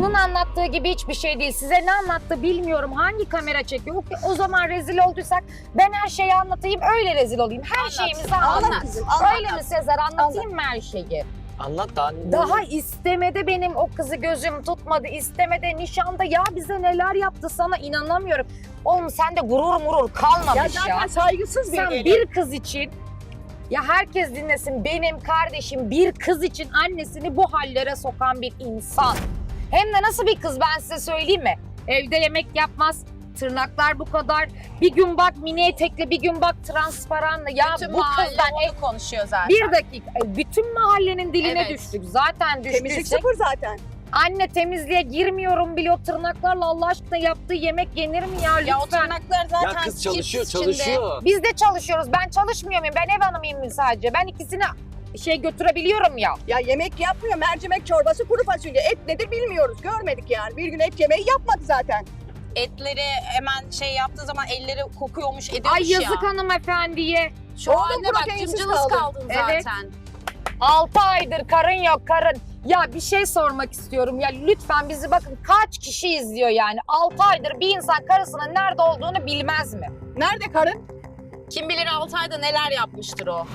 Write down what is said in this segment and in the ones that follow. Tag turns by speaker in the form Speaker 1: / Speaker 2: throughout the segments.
Speaker 1: Onun anlattığı gibi hiçbir şey değil. Size ne anlattı bilmiyorum. Hangi kamera çekiyor? O zaman rezil olduysak ben her şeyi anlatayım, öyle rezil olayım. Her şeyimizi anlat.
Speaker 2: kızım,
Speaker 1: Öyle mi Sezer? Anlatayım mı her şeyi?
Speaker 3: Anlat daha.
Speaker 1: Daha istemede benim o kızı gözüm tutmadı. İstemede, nişanda ya bize neler yaptı sana inanamıyorum. Oğlum sende gurur murur kalmamış
Speaker 2: Ya
Speaker 1: ya.
Speaker 2: zaten saygısız bir
Speaker 1: Sen
Speaker 2: gelin.
Speaker 1: bir kız için, ya herkes dinlesin, benim kardeşim bir kız için annesini bu hallere sokan bir insan. Hem de nasıl bir kız ben size söyleyeyim mi? Evde yemek yapmaz, tırnaklar bu kadar. Bir gün bak mini etekli, bir gün bak transparanlı. Ya
Speaker 4: Bütün
Speaker 1: bu
Speaker 4: mahalle
Speaker 1: kızdan
Speaker 4: onu konuşuyor zaten.
Speaker 1: bir dakika, bütün mahallenin diline
Speaker 4: Evet.
Speaker 1: düştük. Zaten
Speaker 2: Temizlik
Speaker 1: düştüysek.
Speaker 2: sıfır zaten.
Speaker 1: Anne temizliğe girmiyorum bile, o tırnaklarla Allah aşkına yaptığı yemek yenir mi ya lütfen?
Speaker 4: Ya o tırnaklar zaten
Speaker 3: Ya kız çalışıyor,
Speaker 4: cips içinde.
Speaker 3: çalışıyor.
Speaker 1: Biz de çalışıyoruz. Ben çalışmıyor muyum? Ben ev hanımıyım sadece. Ben ikisini götürebiliyorum ya.
Speaker 2: Ya yemek yapmıyor, mercimek çorbası, kuru fasulye. Et nedir bilmiyoruz, görmedik yani. Bir gün et yemeği yapmadı zaten.
Speaker 4: Etleri hemen yaptığı zaman elleri kokuyormuş, ediyormuş
Speaker 1: Ay yazık
Speaker 4: ya.
Speaker 1: hanımefendiye.
Speaker 4: Şu
Speaker 2: Oldu,
Speaker 4: haline bak,
Speaker 2: proteinsiz
Speaker 4: cımcılız
Speaker 2: kaldın.
Speaker 4: kaldın
Speaker 1: Evet.
Speaker 4: zaten.
Speaker 1: 6 aydır karın yok karın. Ya bir şey sormak istiyorum ya lütfen bizi bakın kaç kişi izliyor yani. 6 aydır bir insan karısının nerede olduğunu bilmez mi?
Speaker 2: Nerede karın?
Speaker 4: Kim bilir 6 ayda neler yapmıştır o.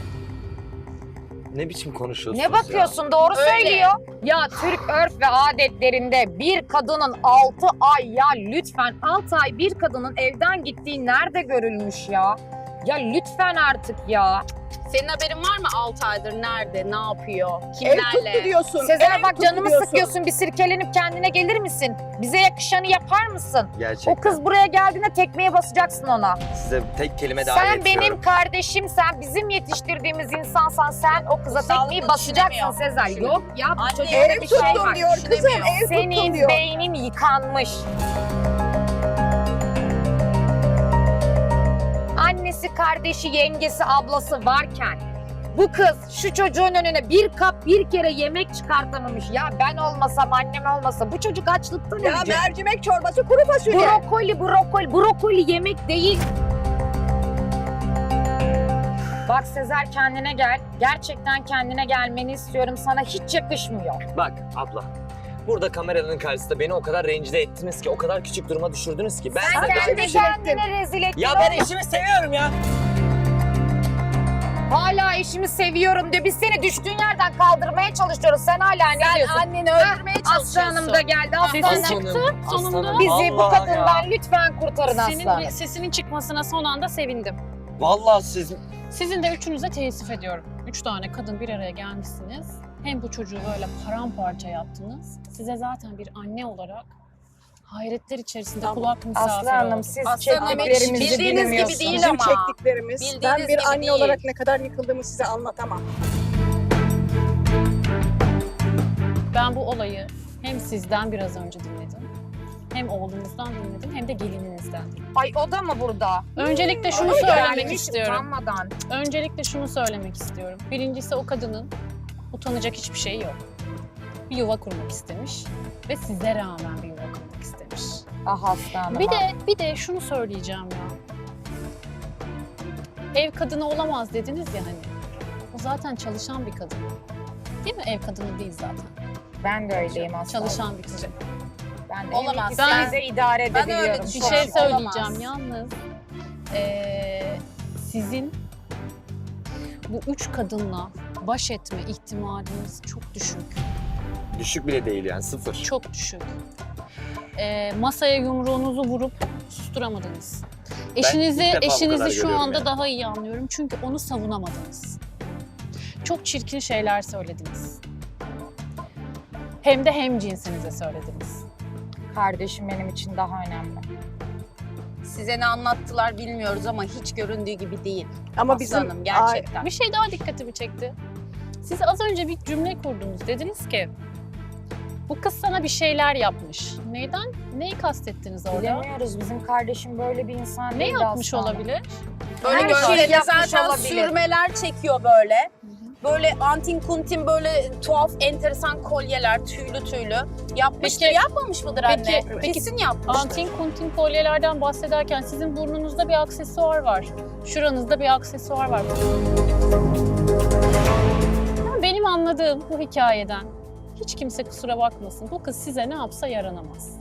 Speaker 3: Ne biçim konuşuyorsunuz
Speaker 1: Ne bakıyorsun doğru
Speaker 4: Öyle.
Speaker 1: söylüyor. Ya Türk örf ve adetlerinde bir kadının 6 ay ya lütfen 6 ay bir kadının evden gittiği nerede görülmüş ya? Ya lütfen artık ya.
Speaker 4: Senin haberin var mı 6 aydır nerede, ne yapıyor,
Speaker 2: Ev
Speaker 4: kimlerle?
Speaker 2: tuttu diyorsun.
Speaker 1: Sezer
Speaker 2: ev
Speaker 1: bak
Speaker 2: tuttu
Speaker 1: canımı
Speaker 2: diyorsun.
Speaker 1: sıkıyorsun, bir sirkelenip kendine gelir misin? Bize yakışanı yapar mısın?
Speaker 3: Gerçekten.
Speaker 1: O kız buraya geldiğinde tekmeye basacaksın ona.
Speaker 3: Size tek kelime daha
Speaker 1: Sen benim kardeşimsen, bizim yetiştirdiğimiz insansan sen o kıza
Speaker 4: Sağlıklı
Speaker 1: tekmeyi basacaksın
Speaker 4: düşünemiyor.
Speaker 1: Sezer.
Speaker 4: Düşünemiyor.
Speaker 1: Yok ya bu
Speaker 4: Anne,
Speaker 1: çocukta
Speaker 2: Ev
Speaker 1: bir şey
Speaker 2: tuttum
Speaker 1: var.
Speaker 2: diyor kızım,
Speaker 4: Düşünemiyor.
Speaker 2: ev tuttum
Speaker 1: Senin
Speaker 2: diyor.
Speaker 1: beynin yıkanmış. Annesi, kardeşi, yengesi, ablası varken bu kız şu çocuğun önüne bir kap bir kere yemek çıkartamamış. Ya ben olmasam, annem olmasa bu çocuk açlıktan
Speaker 2: Ya
Speaker 1: ölecek.
Speaker 2: mercimek çorbası, kuru fasulye.
Speaker 1: Brokoli yemek değil. Bak Sezer kendine gel. Gerçekten kendine gelmeni istiyorum. Sana hiç yakışmıyor.
Speaker 3: Bak abla. Burada kameraların karşısında beni o kadar rencide ettiniz ki, o kadar küçük duruma düşürdünüz ki. Ben
Speaker 1: Sen
Speaker 3: size
Speaker 1: kendi
Speaker 2: rezil ettin.
Speaker 1: kendine rezil ettin.
Speaker 3: Ya ben eşimi seviyorum ya.
Speaker 1: Hala eşimi seviyorum diyor. Biz seni düştüğün yerden kaldırmaya çalışıyoruz. Sen hala ne
Speaker 4: Sen
Speaker 1: diyorsun?
Speaker 4: anneni öldürmeye çalışıyorsun.
Speaker 1: Aslı Hanım da geldi. Aslı
Speaker 5: Sesin
Speaker 1: Hanım.
Speaker 5: çıktı sonunda.
Speaker 1: Bizi bu
Speaker 3: Allah
Speaker 1: kadından
Speaker 3: ya.
Speaker 1: lütfen kurtarın Aslı
Speaker 5: Senin
Speaker 1: Hanım.
Speaker 5: sesinin çıkmasına son anda sevindim.
Speaker 3: Vallahi siz...
Speaker 5: Sizin de üçünüze teessüf ediyorum. 3 tane kadın bir araya gelmişsiniz. Hem bu çocuğu böyle paramparça yaptınız. Size zaten bir anne olarak hayretler içerisinde
Speaker 2: Tamam.
Speaker 5: kulak misafiri
Speaker 1: Aslı Hanım
Speaker 5: oldum.
Speaker 1: siz
Speaker 4: Aslı Hanım,
Speaker 1: çektiklerimizi
Speaker 4: bildiğiniz gibi
Speaker 1: bilmiyorsunuz.
Speaker 4: değil
Speaker 2: Bizim
Speaker 4: ama.
Speaker 2: çektiklerimiz. Ben
Speaker 4: Bildiğiniz
Speaker 2: bir
Speaker 4: gibi
Speaker 2: anne
Speaker 4: değil.
Speaker 2: olarak ne kadar yıkıldığımı size anlatamam.
Speaker 5: Ben bu olayı hem sizden biraz önce dinledim. Hem oğlunuzdan dinledim hem de gelininizden.
Speaker 1: Ay o da mı burada?
Speaker 5: Öncelikle şunu
Speaker 1: Ay,
Speaker 5: söylemek
Speaker 1: gelmiş
Speaker 5: istiyorum.
Speaker 1: utanmadan.
Speaker 5: Öncelikle şunu söylemek istiyorum. Birincisi o kadının utanacak hiçbir şeyi yok. Bir yuva kurmak istemiş ve size rağmen bir yuva kurmak istemiş.
Speaker 1: Ah Aslı Hanım.
Speaker 5: Bir de şunu söyleyeceğim ya. Ev kadını olamaz dediniz ya hani. O zaten çalışan bir kadın. Değil mi? Ev kadını değil zaten.
Speaker 1: Ben de öyleyim Aslı Hanım.
Speaker 5: Çalışan bir kadın.
Speaker 1: Ben de
Speaker 4: Olamaz.
Speaker 1: ikisini de idare
Speaker 4: Ben öyle
Speaker 1: edebiliyorum.
Speaker 5: Bir
Speaker 1: şu an.
Speaker 5: şey söyleyeceğim
Speaker 4: Olamaz.
Speaker 5: yalnız. Sizin bu 3 kadınla baş etme ihtimaliniz çok düşük.
Speaker 3: Düşük bile değil yani, sıfır.
Speaker 5: Çok düşük. Masaya yumruğunuzu vurup susturamadınız. Eşinizi
Speaker 3: ilk defa bu kadar
Speaker 5: eşinizi şu
Speaker 3: görüyorum
Speaker 5: anda
Speaker 3: yani.
Speaker 5: daha iyi anlıyorum çünkü onu savunamadınız. Çok çirkin şeyler söylediniz. Hem de hem cinsinize söylediniz.
Speaker 1: Kardeşim benim için daha önemli.
Speaker 4: Size ne anlattılar bilmiyoruz ama hiç göründüğü gibi değil.
Speaker 2: Ama
Speaker 4: Aslı
Speaker 2: bizim
Speaker 4: Hanım, gerçekten.
Speaker 5: Bir şey daha dikkatimi çekti. Siz az önce bir cümle kurdunuz. Dediniz ki bu kız sana bir şeyler yapmış. Neyden? Neyi kastettiniz orada?
Speaker 1: Bilemiyoruz. Bizim kardeşim böyle bir insan
Speaker 5: Ne
Speaker 1: değil
Speaker 5: yapmış
Speaker 1: Aslı Hanım.
Speaker 5: olabilir?
Speaker 4: Böyle
Speaker 1: Her şeyi
Speaker 4: gözlerine
Speaker 1: yapmış
Speaker 4: zaten
Speaker 1: olabilir.
Speaker 4: sürmeler çekiyor böyle. Böyle antin kuntin böyle tuhaf enteresan kolyeler tüylü tüylü. Yapmıştır,
Speaker 5: Peki-
Speaker 4: yapmamış mıdır anne?
Speaker 5: peki-
Speaker 4: Kesin yapmıştır.
Speaker 5: Antin kuntin kolyelerden bahsederken sizin burnunuzda bir aksesuar var. Şuranızda bir aksesuar var. Benim anladığım bu hikayeden Hiç kimse kusura bakmasın. Bu kız size ne yapsa yaranamaz.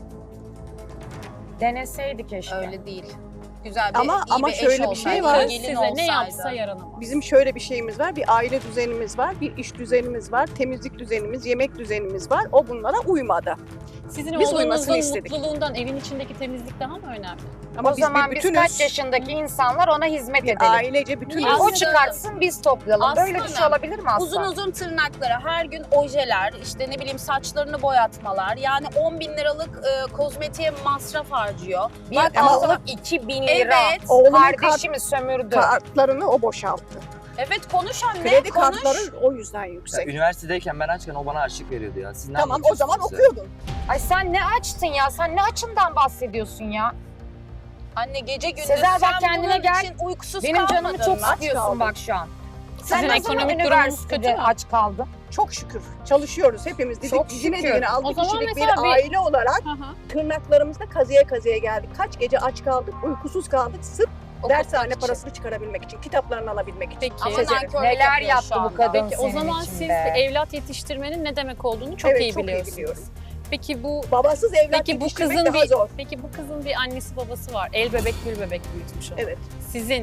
Speaker 1: Deneseydi keşke.
Speaker 4: Öyle değil. Güzel bir,
Speaker 2: Ama-
Speaker 4: iyi
Speaker 2: ama
Speaker 4: bir eş
Speaker 2: şöyle bir
Speaker 4: olsaydı,
Speaker 2: şey var.
Speaker 5: Kız
Speaker 4: gelin
Speaker 5: size ne
Speaker 4: olsaydı.
Speaker 5: yapsa yaranamaz.
Speaker 2: Bizim şöyle bir şeyimiz var. Bir aile düzenimiz var, bir iş düzenimiz var, temizlik düzenimiz, yemek düzenimiz var. O bunlara uymadı.
Speaker 5: Sizin
Speaker 2: biz uymasını
Speaker 5: oğlunuzun
Speaker 2: istedik.
Speaker 5: mutluluğundan evin içindeki temizlik daha mı önemli?
Speaker 2: Ama
Speaker 1: O zaman biz
Speaker 2: bütünüz.
Speaker 1: kaç yaşındaki insanlar ona hizmet
Speaker 2: Bir
Speaker 1: edelim.
Speaker 2: ailece bütünüz.
Speaker 4: Aslında-
Speaker 1: O çıkartsın biz toplayalım. Böyle bir şey
Speaker 4: Aslında
Speaker 1: olabilir mi
Speaker 4: Uzun
Speaker 1: asla?
Speaker 4: uzun tırnakları, her gün ojeler, işte ne bileyim saçlarını boyatmalar. Yani 10 bin liralık kozmetiğe masraf harcıyor.
Speaker 1: Bir
Speaker 4: Bak,
Speaker 1: alıp 2000 lira.
Speaker 4: Evet.
Speaker 2: Oğlumun
Speaker 1: Kardeşimi sömürdü.
Speaker 2: kartlarını o boşalttı.
Speaker 4: Evet konuş anne,
Speaker 2: Kredi
Speaker 4: konuş.
Speaker 2: kartları o yüzden
Speaker 3: Ya,
Speaker 2: yüksek.
Speaker 3: üniversitedeyken ben açken o bana harçlık veriyordu ya. Siz ne
Speaker 2: Tamam o
Speaker 3: anlatıyorsunuz
Speaker 2: zaman
Speaker 3: bize?
Speaker 2: okuyordun.
Speaker 1: Ay sen ne açtın ya? Sen ne açından bahsediyorsun ya?
Speaker 4: Anne gece gündüz
Speaker 1: Sezer, bak
Speaker 4: sen
Speaker 1: kendine
Speaker 4: bunun
Speaker 1: gel.
Speaker 4: için uykusuz
Speaker 1: Benim canımı
Speaker 4: kalmadın
Speaker 1: çok
Speaker 4: mı?
Speaker 1: sıkıyorsun
Speaker 2: kaldım.
Speaker 1: bak şu an.
Speaker 5: Sizin
Speaker 1: Sen ne zaman
Speaker 5: ekonomik durumunuz kötü
Speaker 1: üniversitede
Speaker 5: mü?
Speaker 1: aç kaldın?
Speaker 2: Çok şükür çalışıyoruz hepimiz.
Speaker 1: Çok
Speaker 2: Dizine
Speaker 1: şükür.
Speaker 2: dizine
Speaker 5: O
Speaker 2: 6
Speaker 5: zaman
Speaker 2: kişilik bir
Speaker 5: mesela bir-
Speaker 2: aile olarak
Speaker 5: Hı hı.
Speaker 2: tırnaklarımızda kazıya kazıya geldik. Kaç gece aç kaldık, uykusuz kaldık sırf
Speaker 4: Okutmak
Speaker 2: dershane
Speaker 4: için.
Speaker 2: parasını çıkarabilmek için, kitaplarını alabilmek için.
Speaker 5: Peki.
Speaker 4: Ama
Speaker 2: Sezer,
Speaker 4: nankörlük
Speaker 1: neler
Speaker 4: yapıyor
Speaker 1: yaptı
Speaker 4: şu
Speaker 1: bu
Speaker 4: anda.
Speaker 1: kadın?
Speaker 5: Peki o
Speaker 1: Senin
Speaker 5: zaman
Speaker 1: için
Speaker 5: siz
Speaker 1: be.
Speaker 5: evlat yetiştirmenin ne demek olduğunu çok
Speaker 2: Evet,
Speaker 5: iyi
Speaker 2: çok iyi
Speaker 5: biliyorsunuz.
Speaker 2: biliyorum.
Speaker 5: Peki bu
Speaker 2: Babasız evlat
Speaker 5: Peki bu
Speaker 2: yetiştirmek
Speaker 5: kızın
Speaker 2: daha
Speaker 5: bir
Speaker 2: zor.
Speaker 5: Peki bu kızın bir annesi babası var. El bebek gül bebek büyütmüş onu.
Speaker 2: Evet.
Speaker 5: Sizin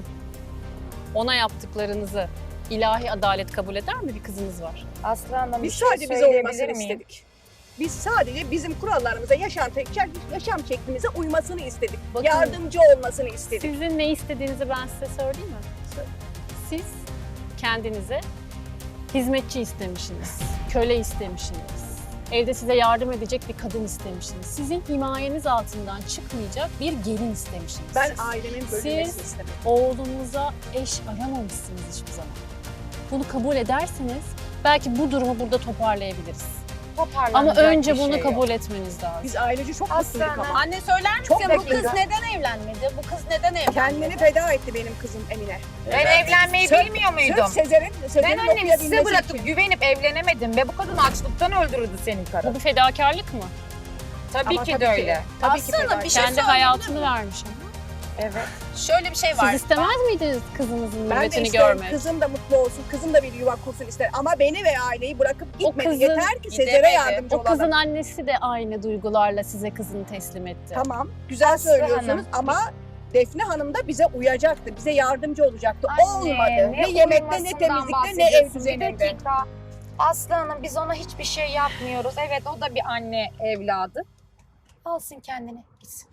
Speaker 5: ona yaptıklarınızı ilahi adalet kabul eder mi, bir kızınız var?
Speaker 1: Aslı Hanım bir
Speaker 2: Biz
Speaker 1: şey
Speaker 2: sadece bize
Speaker 1: söyleyebilir
Speaker 2: uymasını
Speaker 1: miyim?
Speaker 2: istedik. Biz sadece bizim kurallarımıza, yaşam şeklimize uymasını istedik.
Speaker 5: Bakın-
Speaker 2: Yardımcı olmasını istedik.
Speaker 5: Sizin ne istediğinizi ben size söyleyeyim mi? Siz kendinize hizmetçi istemişsiniz, köle istemişsiniz. Evde size yardım edecek bir kadın istemişsiniz. Sizin himayeniz altından çıkmayacak bir gelin istemişsiniz.
Speaker 2: Ben
Speaker 5: siz.
Speaker 2: ailemin bölünmesini
Speaker 5: Siz-
Speaker 2: istedim.
Speaker 5: Oğlunuza eş aramamışsınız hiçbir zaman. Bunu kabul ederseniz belki bu durumu burada toparlayabiliriz. Ama
Speaker 1: Toparlanacak
Speaker 5: önce
Speaker 1: bir
Speaker 5: bunu
Speaker 1: şey
Speaker 5: kabul
Speaker 1: yok.
Speaker 5: etmeniz lazım.
Speaker 2: Biz ailece çok
Speaker 1: Aslanım.
Speaker 2: mutluyduk ama.
Speaker 4: Anne söyler
Speaker 2: Çok
Speaker 4: misin bu kız
Speaker 2: dakika.
Speaker 4: neden evlenmedi? Bu kız neden evlenmedi?
Speaker 2: Kendini feda etti benim kızım Emine.
Speaker 1: Ben evlenmeyi
Speaker 2: Sırf-
Speaker 1: bilmiyor muydum?
Speaker 2: Sırf Sezer'in
Speaker 1: Ben annemi
Speaker 2: okuyabilmesi
Speaker 1: size bırakıp
Speaker 2: için.
Speaker 1: güvenip evlenemedim ve bu kadın açlıktan öldürürdü senin karın.
Speaker 5: Bu bir fedakarlık mı?
Speaker 1: Tabii
Speaker 2: Ama
Speaker 1: ki
Speaker 2: tabii
Speaker 1: de
Speaker 2: ki.
Speaker 1: öyle.
Speaker 2: Tabii ki
Speaker 4: Aslında
Speaker 2: feda
Speaker 4: bir
Speaker 2: etti.
Speaker 4: şey
Speaker 5: Kendi
Speaker 4: söyleyebilir
Speaker 5: hayatını
Speaker 4: miyim?
Speaker 5: vermiş ama.
Speaker 1: Evet.
Speaker 4: Şöyle bir şey var.
Speaker 5: Siz istemez miydiniz kızınızın
Speaker 2: Ben de
Speaker 5: mürüvvetini
Speaker 2: isterim
Speaker 5: görmek?
Speaker 2: kızım da mutlu olsun, kızım da bir yuva kursun ister. Ama beni ve aileyi bırakıp gitmedi.
Speaker 5: kızın-
Speaker 2: Yeter ki Sezer'e
Speaker 4: Gidemedi.
Speaker 2: yardımcı
Speaker 5: O
Speaker 2: olalım.
Speaker 5: kızın annesi de aynı duygularla size kızını teslim etti.
Speaker 2: Tamam, güzel
Speaker 1: Aslı
Speaker 2: söylüyorsunuz
Speaker 1: Hanım.
Speaker 2: ama Defne Hanım da bize uyacaktı, bize yardımcı olacaktı.
Speaker 1: Anne,
Speaker 2: Olmadı. Ne yemekte, ne
Speaker 1: uyumasından
Speaker 2: temizlikte, ne ev
Speaker 1: bahsediyorsun? Bir
Speaker 2: düzeninde.
Speaker 1: dakika. Aslı Hanım biz ona hiçbir şey yapmıyoruz. Evet o da bir anne evladı. Alsın kendini gitsin.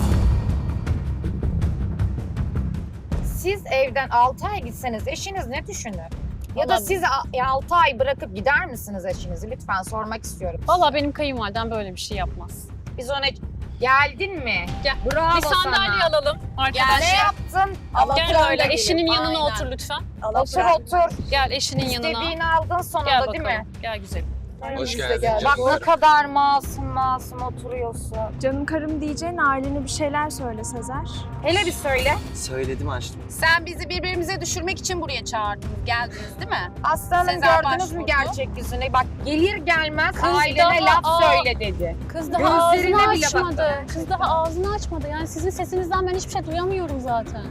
Speaker 1: Siz evden 6 ay gitseniz eşiniz ne düşünür? Ya da
Speaker 5: Vallahi-
Speaker 1: siz 6 ay bırakıp gider misiniz eşinizi? Lütfen sormak istiyorum.
Speaker 5: Valla benim kayınvalidem böyle bir şey yapmaz.
Speaker 1: Biz ona geldin mi?
Speaker 5: Gel.
Speaker 1: Bravo
Speaker 5: Bir sandalye
Speaker 1: sana.
Speaker 5: alalım
Speaker 1: Ne
Speaker 5: arkadaşlar.
Speaker 1: yaptın?
Speaker 2: Allah
Speaker 5: Gel
Speaker 2: Kur'an
Speaker 5: böyle
Speaker 2: da
Speaker 5: eşinin
Speaker 2: gelir.
Speaker 5: yanına
Speaker 4: Aynen.
Speaker 5: otur lütfen.
Speaker 2: Allah
Speaker 1: Otur
Speaker 2: Kur'an-
Speaker 1: otur.
Speaker 5: Gel eşinin yanına.
Speaker 1: İstediğini aldın
Speaker 5: Gel
Speaker 1: sonunda
Speaker 5: bakalım.
Speaker 1: değil mi?
Speaker 5: Gel güzelim.
Speaker 3: Hoş
Speaker 2: Biz de
Speaker 3: geldin
Speaker 2: geldik.
Speaker 1: Bak
Speaker 3: canım.
Speaker 1: ne kadar masum oturuyorsun.
Speaker 6: Canım karım diyeceğine ailene bir şeyler söyle Sezer.
Speaker 1: Hele bir söyle.
Speaker 3: Söyledim açtım.
Speaker 4: Sen bizi birbirimize düşürmek için buraya çağırdınız, geldiniz değil mi?
Speaker 1: Aslanım
Speaker 4: Sezer
Speaker 1: gördünüz mü
Speaker 4: başvurdu.
Speaker 1: gerçek yüzünü? Bak gelir gelmez
Speaker 5: Kız
Speaker 1: ailene
Speaker 5: daha-
Speaker 1: laf
Speaker 5: Aa.
Speaker 1: söyle dedi.
Speaker 5: Kız daha
Speaker 1: Gözlerine
Speaker 5: ağzını
Speaker 1: bile
Speaker 5: açmadı.
Speaker 1: bakmadı.
Speaker 5: Kız daha ağzını açmadı. Yani sizin sesinizden ben hiçbir şey duyamıyorum zaten.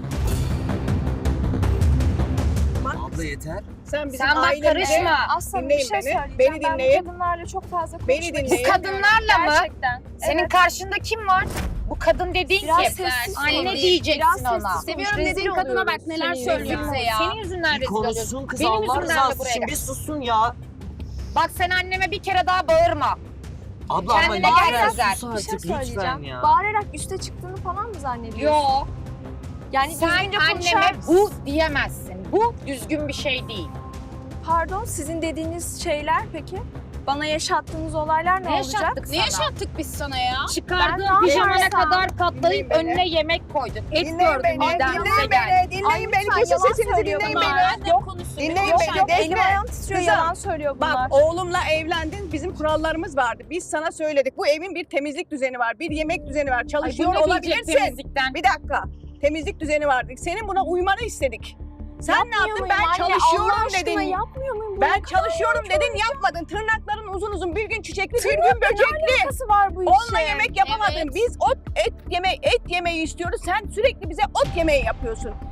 Speaker 3: Abla yeter.
Speaker 2: Sen bizim
Speaker 1: Sen bak
Speaker 2: ailemize-
Speaker 1: karışma.
Speaker 6: Aslında bir
Speaker 2: Dinleyin
Speaker 6: şey
Speaker 2: beni,
Speaker 6: söyleyeceğim.
Speaker 2: beni
Speaker 6: Ben
Speaker 2: dinleyin.
Speaker 6: bu kadınlarla çok fazla
Speaker 2: Beni
Speaker 6: konuşmak
Speaker 2: dinleyin.
Speaker 1: Bu kadınlarla mı?
Speaker 6: Gerçekten.
Speaker 1: Senin
Speaker 6: Evet.
Speaker 1: karşında kim var? Bu kadın dediğin
Speaker 6: Biraz
Speaker 1: kim?
Speaker 6: sessiz
Speaker 1: Anne
Speaker 6: konuş.
Speaker 1: diyeceksin
Speaker 6: Biraz
Speaker 1: ona.
Speaker 6: sessiz
Speaker 4: Seviyorum
Speaker 6: konuş.
Speaker 4: dediğin
Speaker 6: Rezil
Speaker 4: kadına bak
Speaker 6: oluyoruz.
Speaker 4: neler
Speaker 6: Senin
Speaker 4: söylüyor
Speaker 6: yüzünden.
Speaker 4: bize ya.
Speaker 1: Senin yüzünden
Speaker 3: Bir
Speaker 1: rezil oluyorsun.
Speaker 3: konuşsun kız
Speaker 1: Benim
Speaker 3: Allah
Speaker 1: yüzümden de
Speaker 3: rızası
Speaker 1: buraya
Speaker 3: için
Speaker 1: gel.
Speaker 3: bir susun ya.
Speaker 1: Bak sen anneme bir kere daha bağırma.
Speaker 3: Abla ama
Speaker 1: Kendine
Speaker 3: lütfen
Speaker 1: gel Sezer.
Speaker 3: sus
Speaker 6: Bir şey
Speaker 3: artık lütfen
Speaker 6: söyleyeceğim.
Speaker 3: ya.
Speaker 6: Bağırarak üste çıktığını falan mı zannediyorsun?
Speaker 1: Yo.
Speaker 6: Yani
Speaker 1: Sen
Speaker 6: düzgünce konuşar
Speaker 1: anneme
Speaker 6: mısın?
Speaker 1: bu diyemezsin. Bu düzgün bir şey değil.
Speaker 6: Pardon, sizin dediğiniz şeyler peki? Bana yaşattığınız olaylar ne
Speaker 1: Ne
Speaker 6: olacak?
Speaker 1: yaşattık
Speaker 4: Ne yaşattık biz sana ya?
Speaker 6: Ben
Speaker 1: Çıkardığın
Speaker 6: ne
Speaker 1: pijamana
Speaker 6: yaparsam-
Speaker 1: kadar katlayıp
Speaker 2: Dinleyin beni.
Speaker 1: önüne yemek koydun. Et
Speaker 2: Dinleyin
Speaker 1: gördün
Speaker 2: beni,
Speaker 1: midemize
Speaker 2: dinleyin
Speaker 1: geldi.
Speaker 2: beni, dinleyin beni.
Speaker 6: lütfen,
Speaker 2: Kesin
Speaker 6: yalan
Speaker 2: sesinizi
Speaker 6: söylüyor
Speaker 2: dinleyin
Speaker 6: bunlar.
Speaker 2: beni.
Speaker 4: Annem konuşsun.
Speaker 2: Dinleyin
Speaker 4: Yok,
Speaker 2: beni,
Speaker 4: yok.
Speaker 2: Defne.
Speaker 6: Elim ayağım titriyor,
Speaker 2: Kızım,
Speaker 6: yalan söylüyor bunlar.
Speaker 2: Bak oğlumla evlendin, bizim kurallarımız vardı. Biz sana söyledik. Bu evin bir temizlik düzeni var, bir yemek düzeni var.
Speaker 1: Ay, bu
Speaker 2: Çalışıyor
Speaker 1: ne diyecek
Speaker 2: olabilirsin.
Speaker 1: temizlikten?
Speaker 2: Bir dakika. Temizlik düzeni vardı. Senin buna uymanı istedik. Sen ne
Speaker 6: Yapmıyor
Speaker 2: yaptın?
Speaker 6: muyum
Speaker 2: Ben
Speaker 6: anne?
Speaker 2: çalışıyorum
Speaker 6: Allah aşkına
Speaker 2: dedin.
Speaker 6: yapmıyor muyum? Bu
Speaker 2: Ben
Speaker 6: ne kadar
Speaker 2: çalışıyorum
Speaker 6: kötü
Speaker 2: dedin, yapmadın. Tırnakların uzun uzun, bir gün çiçekli, bir gün böcekli.
Speaker 6: alakası var bu işe?
Speaker 2: Onunla yemek yapamadın.
Speaker 4: Evet.
Speaker 2: Biz et yemeği istiyoruz. Sen sürekli bize ot yemeği yapıyorsun.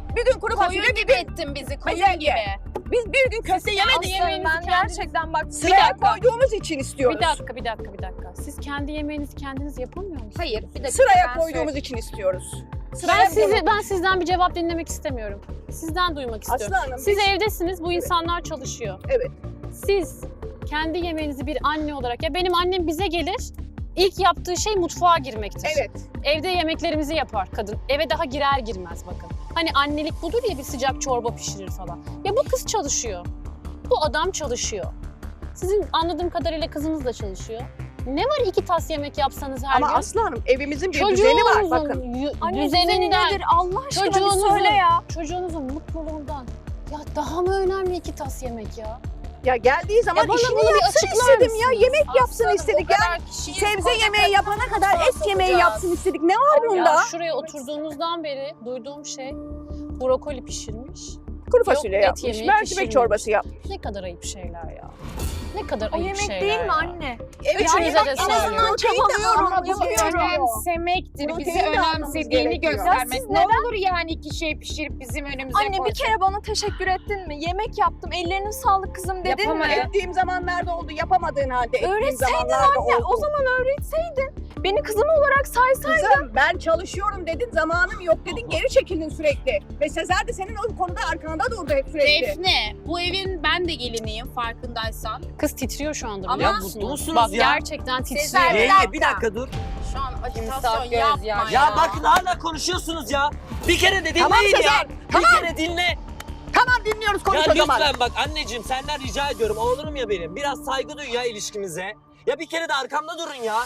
Speaker 2: Bir gün kuru fasulye,
Speaker 4: Koyun
Speaker 2: bir
Speaker 4: gibi
Speaker 2: gün
Speaker 4: ettin bizi,
Speaker 2: Hayır,
Speaker 4: koyun gibi.
Speaker 2: biz bir gün köfte yemedik.
Speaker 5: kendi
Speaker 6: Aslanım
Speaker 5: yemeğinizi
Speaker 6: ben
Speaker 5: kendiniz-
Speaker 6: gerçekten bak
Speaker 2: Sıraya koyduğumuz için istiyoruz.
Speaker 5: Bir dakika. Siz kendi yemeğinizi kendiniz yapamıyor musunuz?
Speaker 1: Hayır, bir dakika.
Speaker 2: Sıraya
Speaker 1: ben
Speaker 2: koyduğumuz için istiyoruz.
Speaker 5: Ben sizden bir cevap dinlemek istemiyorum. Sizden duymak istiyorum.
Speaker 2: Aslı Hanım,
Speaker 5: Siz
Speaker 2: biz-
Speaker 5: evdesiniz, bu insanlar çalışıyor.
Speaker 2: Evet.
Speaker 5: Siz kendi yemeğinizi bir anne olarak, ya benim annem bize gelir, ilk yaptığı şey mutfağa girmektir.
Speaker 2: Evet.
Speaker 5: Evde yemeklerimizi yapar kadın. Eve daha girer girmez bakın. Hani annelik budur ya, bir sıcak çorba pişirir falan. Ya bu kız çalışıyor. Bu adam çalışıyor. Sizin anladığım kadarıyla kızınız da çalışıyor. Ne var 2 tas yemek yapsanız her
Speaker 2: Ama
Speaker 5: gün?
Speaker 2: Aslı Hanım evimizin bir düzeni var bakın.
Speaker 6: Anne düzeni
Speaker 5: düzeninden,
Speaker 6: nedir Allah aşkına bir söyle ya.
Speaker 5: çocuğunuzun mutluluğundan. Ya daha mı önemli 2 tas yemek ya?
Speaker 2: Ya geldiği zaman
Speaker 5: bana
Speaker 2: işini
Speaker 5: bunu bir
Speaker 2: yapsın
Speaker 5: açıklar
Speaker 2: istedim ya.
Speaker 5: mısınız?
Speaker 2: Yemek yapsın
Speaker 4: Aslanım,
Speaker 2: istedik
Speaker 4: o
Speaker 2: ya.
Speaker 4: kadar kişiyiz,
Speaker 2: Sebze
Speaker 4: koca
Speaker 2: yemeği
Speaker 4: kadın
Speaker 2: yapana kadar
Speaker 4: mutfağa
Speaker 2: et yemeği
Speaker 4: sokacağız.
Speaker 2: yapsın istedik. Ne var bunda?
Speaker 5: Ya şuraya oturduğunuzdan beri duyduğum şey brokoli pişirmiş.
Speaker 2: Kuru fasulye
Speaker 5: et
Speaker 2: yapmış,
Speaker 5: yemeği
Speaker 2: mercimek
Speaker 5: pişirmemiş.
Speaker 2: çorbası yapmış.
Speaker 5: Ne kadar ayıp şeyler ya. Ne kadar
Speaker 6: O
Speaker 5: ayıp
Speaker 6: yemek
Speaker 5: şeyler
Speaker 6: değil mi
Speaker 5: ya.
Speaker 6: anne?
Speaker 5: Üçünüze de
Speaker 6: en azından
Speaker 5: söylüyorum.
Speaker 6: çabalıyorum,
Speaker 1: Ama bu
Speaker 6: yapıyorum.
Speaker 1: önemsemektir. Bizi
Speaker 2: Protein de almamız
Speaker 1: önemsediğini
Speaker 2: gerekiyor.
Speaker 1: göstermek.
Speaker 6: Ya siz
Speaker 1: Ne olur yani 2 şey pişirip bizim önümüze
Speaker 6: Anne bir
Speaker 1: koyacak.
Speaker 6: kere bana teşekkür ettin mi? Yemek yaptım, ellerine sağlık kızım dedin
Speaker 1: Yapamadım.
Speaker 6: mi?
Speaker 2: Ettiğim zamanlarda oldu, yapamadığın halde ettiğim
Speaker 6: Öğretseydin
Speaker 2: zamanlarda oldu.
Speaker 6: O zaman öğretseydin. Beni kızım olarak saysaydın.
Speaker 2: Kızım ben çalışıyorum dedin, zamanım yok dedin, geri çekildin sürekli. Ve Sezer de senin o konuda arkanda durdu hep sürekli.
Speaker 4: Defne, bu evin ben de geliniyim farkındaysan.
Speaker 5: Kız titriyor şu anda
Speaker 4: Ama
Speaker 5: biliyor
Speaker 3: mutlu
Speaker 5: musunuz?
Speaker 3: musunuz
Speaker 5: Bak
Speaker 3: ya?
Speaker 5: gerçekten
Speaker 4: Sezer
Speaker 5: titriyor.
Speaker 4: Bey.
Speaker 3: Yenge bir dakika dur.
Speaker 4: Şu an
Speaker 1: Timsah
Speaker 4: ajitasyon
Speaker 1: göz
Speaker 4: yapma
Speaker 1: yaşı.
Speaker 3: Ya bakın hala konuşuyorsunuz ya. Bir kere de dinleyin
Speaker 2: Tamam
Speaker 3: ya.
Speaker 2: Sezer, tamam.
Speaker 3: Bir kere dinle.
Speaker 2: Tamam dinliyoruz, konuş
Speaker 3: Ya
Speaker 2: o zaman.
Speaker 3: lütfen bak anneciğim senden rica ediyorum. Oğlum ya benim. Biraz saygı duy ya ilişkimize. Ya bir kere de arkamda durun ya.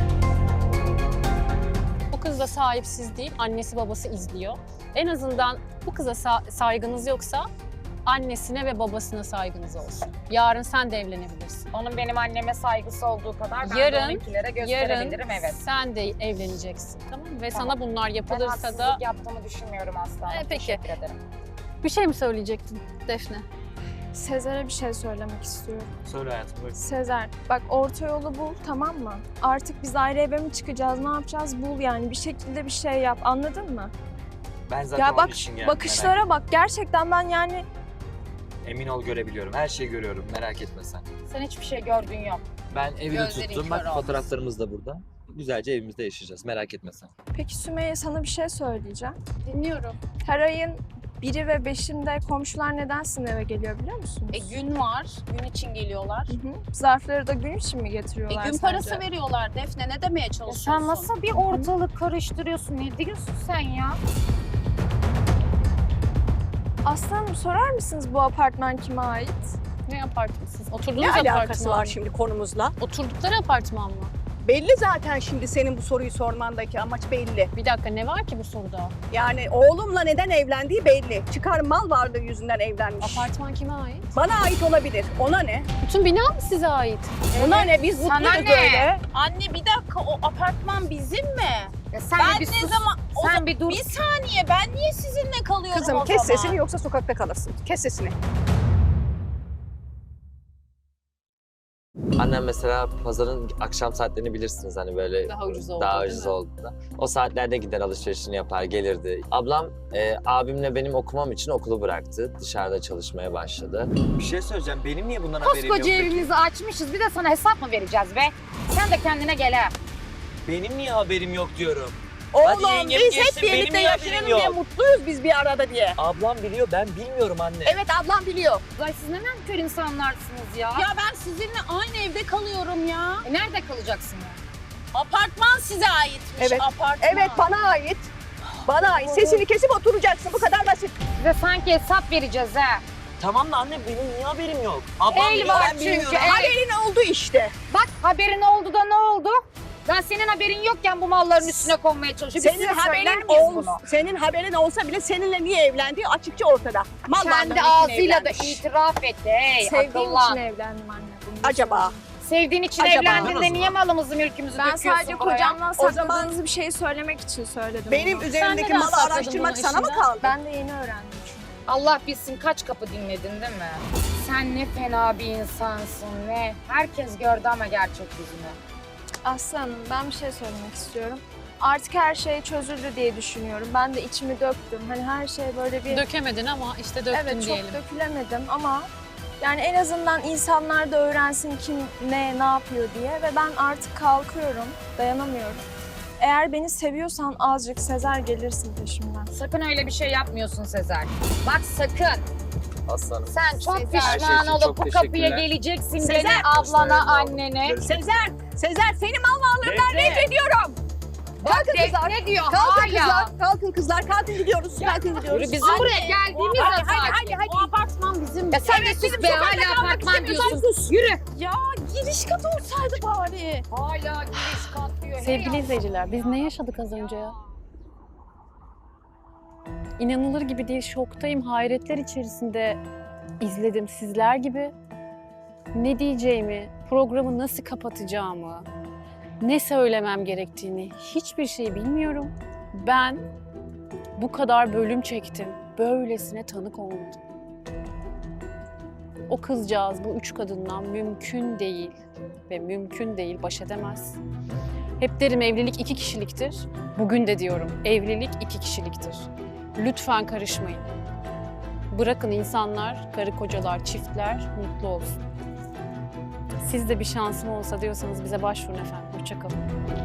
Speaker 5: Bu kız da sahipsiz değil, annesi babası izliyor. En azından bu kıza saygınız yoksa annesine ve babasına saygınız olsun. Yarın sen de evlenebilirsin.
Speaker 1: Onun benim anneme saygısı olduğu kadar ben de
Speaker 5: Yarın-
Speaker 1: onunkilere
Speaker 5: Yarın
Speaker 1: gösterebilirim evet.
Speaker 5: sen de evleneceksin, tamam mı? Ve
Speaker 1: Tamam.
Speaker 5: sana bunlar
Speaker 1: Ben
Speaker 5: yapılırsa
Speaker 1: haksızlık
Speaker 5: da...
Speaker 1: yaptığımı düşünmüyorum asla.
Speaker 5: Peki.
Speaker 1: Teşekkür ederim.
Speaker 5: Bir şey mi söyleyecektin Defne?
Speaker 6: Sezer'e bir şey söylemek istiyorum.
Speaker 3: Söyle hayatım buyur.
Speaker 6: Sezer bak orta yolu bul tamam mı? Artık biz ayrı eve mi çıkacağız ne yapacağız bul yani bir şekilde bir şey yap anladın mı?
Speaker 3: Ben zaten
Speaker 6: Ya bak
Speaker 3: onun için geldim.
Speaker 6: bakışlara bak gerçekten ben yani
Speaker 3: Emin ol görebiliyorum. Her şeyi görüyorum. Merak etme sen.
Speaker 1: Sen hiçbir şey gördüğün yok.
Speaker 3: Ben evi de
Speaker 4: Gözlerin
Speaker 3: tuttum.
Speaker 4: kör
Speaker 3: Bak
Speaker 4: olmasın.
Speaker 3: fotoğraflarımız da burada. Güzelce evimizde yaşayacağız. Merak etme sen.
Speaker 6: peki Sümeyye sana bir şey söyleyeceğim.
Speaker 5: Dinliyorum.
Speaker 6: Her ayın 1'i ve 5'inde komşular neden sizin eve geliyor biliyor musunuz?
Speaker 4: Gün var, gün için geliyorlar.
Speaker 6: Hı hı. Zarfları da gün için mi getiriyorlar
Speaker 4: Gün
Speaker 6: sence?
Speaker 4: parası veriyorlar Defne, ne demeye
Speaker 1: Ya
Speaker 4: çalışıyorsun?
Speaker 1: sen nasıl bir ortalık karıştırıyorsun? Ne diyorsun sen ya?
Speaker 6: Aslanım sorar mısınız bu apartman kime ait?
Speaker 5: Ne apartman siz? Oturduğunuz
Speaker 2: Ne
Speaker 5: apartman
Speaker 2: alakası var
Speaker 5: mı?
Speaker 2: şimdi konumuzla?
Speaker 5: Oturdukları apartman mı?
Speaker 2: Belli zaten şimdi senin bu soruyu sormandaki amaç belli.
Speaker 5: Bir dakika ne var ki bu soruda?
Speaker 2: Yani oğlumla neden evlendiği belli. Çıkar mal varlığı yüzünden evlenmiş.
Speaker 5: Apartman kime ait?
Speaker 2: Bana ait olabilir. Ona ne?
Speaker 5: Bütün bina mı size ait?
Speaker 2: Ona ne? Biz
Speaker 1: Sana
Speaker 2: mutluyuz
Speaker 1: ne?
Speaker 2: öyle.
Speaker 4: Anne bir dakika, o apartman bizim mi?
Speaker 1: Ya sen
Speaker 4: Ben
Speaker 1: bir
Speaker 4: ne
Speaker 1: sus.
Speaker 4: zaman... o
Speaker 1: Sen bir dur.
Speaker 4: Bir saniye, ben niye sizinle kalıyorum
Speaker 2: Kızım
Speaker 4: o
Speaker 2: kes
Speaker 4: zaman?
Speaker 2: sesini yoksa sokakta kalırsın. Kes sesini.
Speaker 3: Annem mesela pazarın akşam saatlerini bilirsiniz hani böyle
Speaker 5: Daha ucuz oldu
Speaker 3: daha
Speaker 5: değil
Speaker 3: ucuz
Speaker 5: mi?
Speaker 3: olduğunda. O saatlerde gider alışverişini yapar gelirdi. Ablam abimle benim okumam için okulu bıraktı. Dışarıda çalışmaya başladı. Bir şey söyleyeceğim. Benim niye bundan haberim yok
Speaker 1: Koskoca
Speaker 3: peki?
Speaker 1: evimizi açmışız. Bir de sana hesap mı vereceğiz be? Sen de kendine gel ha.
Speaker 3: Benim niye haberim yok diyorum. Hadi
Speaker 2: Oğlum
Speaker 3: yengem
Speaker 2: biz
Speaker 3: geçsin,
Speaker 2: hep
Speaker 3: benim
Speaker 2: birlikte
Speaker 3: niye haberim
Speaker 2: yaşayalım
Speaker 3: yok?
Speaker 2: diye mutluyuz biz bir arada diye.
Speaker 3: Ablam biliyor ben bilmiyorum anne.
Speaker 2: Evet ablam biliyor.
Speaker 1: Ay siz ne nankör insanlarsınız ya.
Speaker 4: Ya ben sizinle aynı evde kalıyorum ya.
Speaker 1: Nerede kalacaksın ya?
Speaker 4: Apartman size aitmiş,
Speaker 2: Evet.
Speaker 4: apartman.
Speaker 2: Evet bana ait. Bana ait. Sesini kesip oturacaksın. Bu kadar basit.
Speaker 1: Size sanki hesap vereceğiz ha.
Speaker 3: Tamam da anne benim niye haberim yok? Ablam
Speaker 1: El
Speaker 3: biliyor
Speaker 1: var
Speaker 3: ben
Speaker 1: çünkü,
Speaker 3: bilmiyorum.
Speaker 1: el.
Speaker 2: Haberin oldu işte.
Speaker 1: Bak haberin oldu da ne oldu? Ben senin haberin yokken bu malların üstüne konmaya çalışıyorum. Biz
Speaker 2: Senin
Speaker 1: size söyler
Speaker 2: haberin
Speaker 1: miyiz
Speaker 2: ol,
Speaker 1: bunu?
Speaker 2: senin haberin olsa bile seninle niye evlendiği açıkça ortada. Mal
Speaker 1: Kendi
Speaker 2: varlığının için
Speaker 1: ağzıyla da
Speaker 2: evlenmiş.
Speaker 1: itiraf etti. Hey
Speaker 6: Sevdiğim
Speaker 1: akıllan.
Speaker 6: için evlendim anne. Bunu
Speaker 2: Acaba?
Speaker 1: Sevdiğin için
Speaker 2: Acaba?
Speaker 1: evlendin de
Speaker 3: Anladınız
Speaker 1: niye
Speaker 3: mı?
Speaker 1: malımızı mülkümüzü
Speaker 6: Ben
Speaker 1: döküyorsun
Speaker 6: sadece
Speaker 1: buraya?
Speaker 6: kocamdan
Speaker 2: O zaman-
Speaker 6: sakladığınız bir şeyi söylemek için söyledim
Speaker 2: Benim
Speaker 6: bunu.
Speaker 2: üzerimdeki
Speaker 5: neden
Speaker 2: malı
Speaker 5: sakladın
Speaker 2: araştırmak
Speaker 5: bunu
Speaker 2: sana mı
Speaker 5: eşinden?
Speaker 2: kaldı?
Speaker 6: Ben de yeni öğrendim çünkü.
Speaker 1: Allah bilsin kaç kapı dinledin değil mi? Sen ne fena bir insansın ne. Herkes gördü ama gerçek yüzünü.
Speaker 6: Aslı Hanım ben bir şey söylemek istiyorum. artık her şey çözüldü diye düşünüyorum. Ben de içimi döktüm. Hani her şey böyle bir...
Speaker 5: Dökemedin ama işte döktün
Speaker 6: Evet,
Speaker 5: diyelim.
Speaker 6: çok dökülemedim ama yani en azından insanlar da öğrensin kim ne yapıyor diye ve ben artık kalkıyorum, dayanamıyorum. Eğer beni seviyorsan azıcık Sezer gelirsin peşimden.
Speaker 1: Sakın öyle bir şey yapmıyorsun Sezer. Bak sakın.
Speaker 3: Aslanım.
Speaker 1: Sen çok
Speaker 3: Her şey
Speaker 1: pişman
Speaker 3: için
Speaker 1: olup
Speaker 3: çok
Speaker 1: bu kapıya
Speaker 3: teşekkürler.
Speaker 1: geleceksin
Speaker 2: Sezer,
Speaker 1: gene ablana,
Speaker 3: gösterelim,
Speaker 1: annene.
Speaker 3: Görüşmek
Speaker 2: Sezer, Sezer seni mal varlığından reddediyorum.
Speaker 1: Bak
Speaker 2: kızlar,
Speaker 1: ne diyor
Speaker 2: Kalkın
Speaker 1: hala.
Speaker 2: kızlar, kalkın kızlar, kalkın gidiyoruz, kalkın gidiyoruz.
Speaker 1: Yürü bizim buraya geldiğimiz zaman.
Speaker 5: O apartman bizim.
Speaker 1: Ya sen de sus be hala apartman diyorsun. Yürü.
Speaker 6: Ya giriş katı olsaydı bari.
Speaker 1: Hala giriş kat diyor.
Speaker 5: Sevgili izleyiciler, biz ne yaşadık az önce ya? İnanılır gibi değil, şoktayım, hayretler içerisinde izledim sizler gibi. Ne diyeceğimi, programı nasıl kapatacağımı, ne söylemem gerektiğini hiçbir şey bilmiyorum. Ben bu kadar bölüm çektim, böylesine tanık olmadım. O kızcağız bu 3 kadından mümkün değil ve mümkün değil baş edemez. Hep derim evlilik 2 kişiliktir. Bugün de diyorum evlilik 2 kişiliktir. Lütfen karışmayın. Bırakın insanlar, karı kocalar, çiftler mutlu olsun. Siz de bir şansım olsa diyorsanız bize başvurun efendim. Hoşça kalın.